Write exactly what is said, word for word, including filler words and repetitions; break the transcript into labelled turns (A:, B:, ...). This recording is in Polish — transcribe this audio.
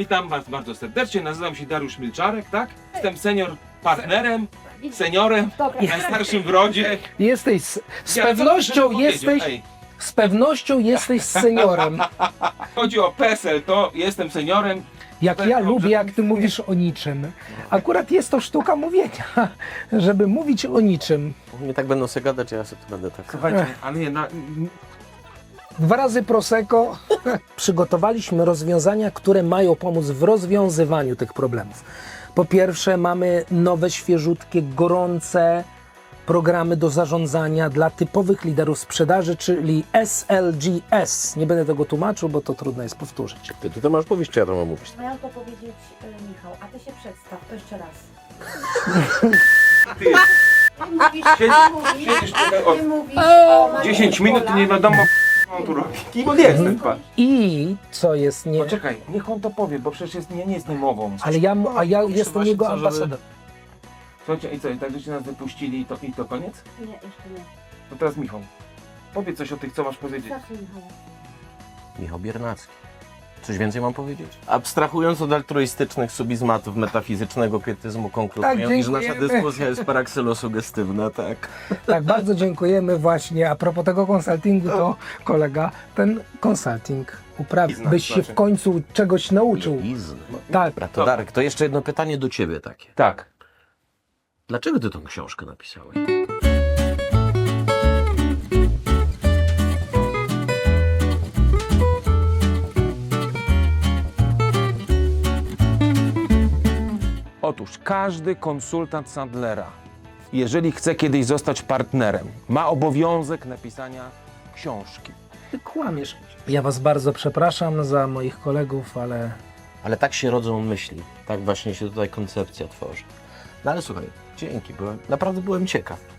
A: Witam Was bardzo serdecznie, nazywam się Dariusz Milczarek, tak? Jestem senior partnerem, seniorem,
B: Dobra.
A: najstarszym w rodzie.
C: Jesteś z, z
A: Ja, co
C: pewnością
A: bym
C: jesteś,
A: powiedział? Ej,
C: z pewnością jesteś seniorem.
A: chodzi o PESEL, to jestem seniorem.
C: Jak
A: Tak,
C: ja
A: dobrze.
C: lubię, jak ty mówisz o niczym. Akurat jest to sztuka mówienia, żeby mówić o niczym.
D: Nie tak będą sobie gadać, ja sobie tu będę tak.
A: Słuchajcie, ale nie, na,
C: Dwa razy Prosecco. Przygotowaliśmy rozwiązania, które mają pomóc w rozwiązywaniu tych problemów. Po pierwsze, mamy nowe, świeżutkie, gorące programy do zarządzania dla typowych liderów sprzedaży, czyli S L G S. Nie będę tego tłumaczył, bo to trudno jest powtórzyć.
D: Ty, ty to masz mówić, czy ja to mam mówić?
B: Miał to powiedzieć y, Michał, a ty się przedstaw, to jeszcze raz.
A: ty,
B: Ty mówisz,
A: Siedzisz-
B: ty mówisz,
A: siedzisz tutaj od
B: ty mówisz o Mariusz
A: dziesięć minut i
B: Pola.
A: nie wiadomo, co on tu robi. Kim on jest ten pan?
C: I co jest nie...
A: Poczekaj, niech on to powie, bo przecież jest, nie, nie jest niemową.
C: Ale ja, mu- a ja
D: Myślę
C: jestem
D: właśnie,
C: jego
D: co, żeby-
C: ambasadorem.
A: Słuchajcie, i co, i tak żeście nas wypuścili i to, i to koniec?
B: Nie, jeszcze nie.
A: To teraz Michał, powiedz coś o tych, co masz powiedzieć.
B: Zacznij Michał.
D: Michał Biernacki. Coś więcej mam powiedzieć? Abstrahując od altruistycznych subizmatów metafizycznego pietyzmu, konkluduję,
C: Tak,
D: iż nasza
C: dziękujemy.
D: dyskusja jest parakselosugestywna, tak?
C: Tak, bardzo dziękujemy właśnie. A propos tego konsultingu, to kolega ten konsulting uprawi,
A: Biznes,
C: byś się
A: znaczy.
C: w końcu czegoś nauczył.
D: Izn.
C: Tak,
D: Dobra, to Darek, to jeszcze jedno pytanie do ciebie takie.
A: Tak.
D: Dlaczego ty tą książkę napisałeś?
A: Otóż każdy konsultant Sandlera, jeżeli chce kiedyś zostać partnerem, ma obowiązek napisania książki.
C: ty kłamiesz. Ja was bardzo przepraszam za moich kolegów, ale
D: Ale tak się rodzą myśli. Tak właśnie się tutaj koncepcja tworzy. No ale słuchaj, dzięki, byłem, naprawdę byłem ciekaw.